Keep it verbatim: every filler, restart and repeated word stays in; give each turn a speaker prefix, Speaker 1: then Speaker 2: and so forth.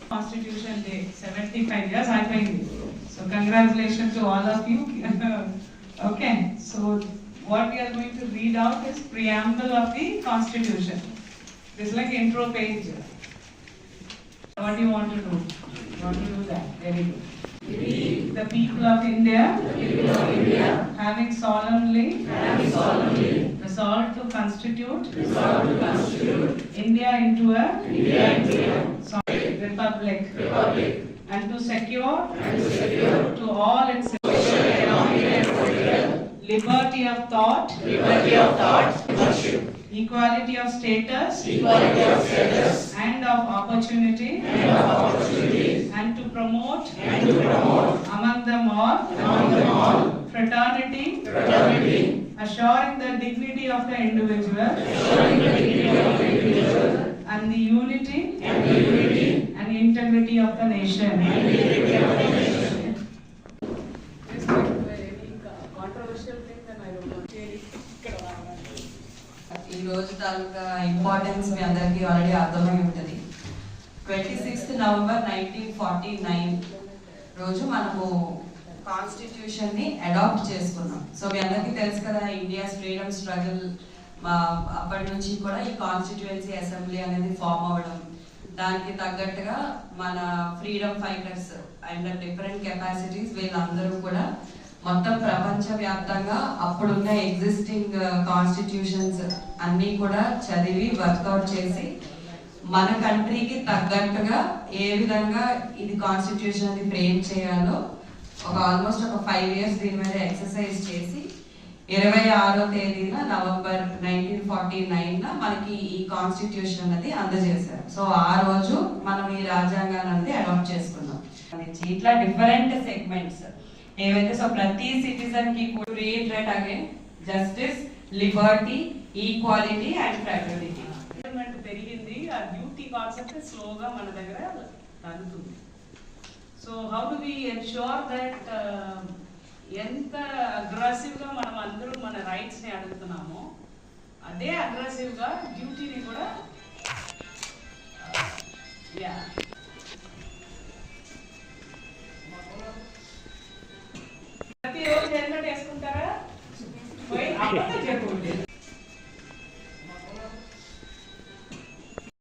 Speaker 1: Constitution Day, seventy-five years అయిపోయింది. So congratulations to all of you. Okay, so what we are going to read out is preamble of the Constitution. This is like intro page. What do you want to do? You want to do that? Very good. The people of India, the people of India having solemnly, having solemnly resolved to constitute, resolved to constitute India into a, India into a sorry, republic, republic, and to secure, and to secure to all its liberty of thought, liberty of thought, equality of status, equality of status, and of opportunity, and of opportunity, and to promote, and to promote among them all, among them all, fraternity, fraternity, assuring the dignity of the individual, assuring the dignity of the individual, and the unity, and the unity, and integrity of the nation, and the integrity of the nation.
Speaker 2: ఈ రోజు తాలూకా importance మీ అందరికీ already అర్థమై ఉంటుంది. Twenty sixth November nineteen forty nine రోజు మనము constitution ని adapt చేసుకున్నాం. So మీ అందరికీ తెలుసు కదా, ఇండియాస్ ఫ్రీడమ్ స్ట్రగుల్ అప్పటి నుంచి కూడా ఈ కాన్స్టిట్యుయెన్సీ అసెంబ్లీ అనేది ఫామ్ అవ్వడం, దానికి తగ్గట్టుగా మన freedom fighters and different capacities వీళ్ళందరూ కూడా మొత్తం ప్రపంచవ్యాప్తంగా అప్పుడున్న ఎగ్జిస్టింగ్ కాన్స్టిట్యూషన్స్ అన్నీ కూడా చదివి వర్కౌట్ చేసి మన కంట్రీకి తగ్గట్టుగా ఏ విధంగా ఇది కాన్స్టిట్యూషన్ అది ఫ్రేమ్ చేయాలో ఒక ఆల్మోస్ట్ ఒక ఫైవ్ ఇయర్స్ దీని మీద ఎక్సర్సైజ్ చేసి ఇరవై ఆరో తేదీన నవంబర్ నైన్టీన్ ఫార్టీ నైన్ మనకి ఈ కాన్స్టిట్యూషన్ అనేది అందజేశారు. సో ఆ రోజు మనం ఈ రాజ్యాంగాన్ని అనేది అడాప్ట్ చేసుకున్నాం. ఇట్లా డిఫరెంట్ సెగ్మెంట్స్ ఏవైతే సో ప్రతి సిటిజన్ కి reiterate again justice, liberty, equality and fraternity.
Speaker 1: పెరిగింది, ఆ డ్యూటీ కాన్సెప్ట్ స్లోగా మన దగ్గర తగ్గుతుంది. So how do we ensure that ఎంత అగ్రెసివ్గా మనం అందరూ మన రైట్స్ని అడుగుతున్నామో అదే అగ్రెసివ్గా డ్యూటీని కూడా యా ప్రతిరోజు హెల్మెట్ వేసుకుంటారా? పోయి అబద్ధం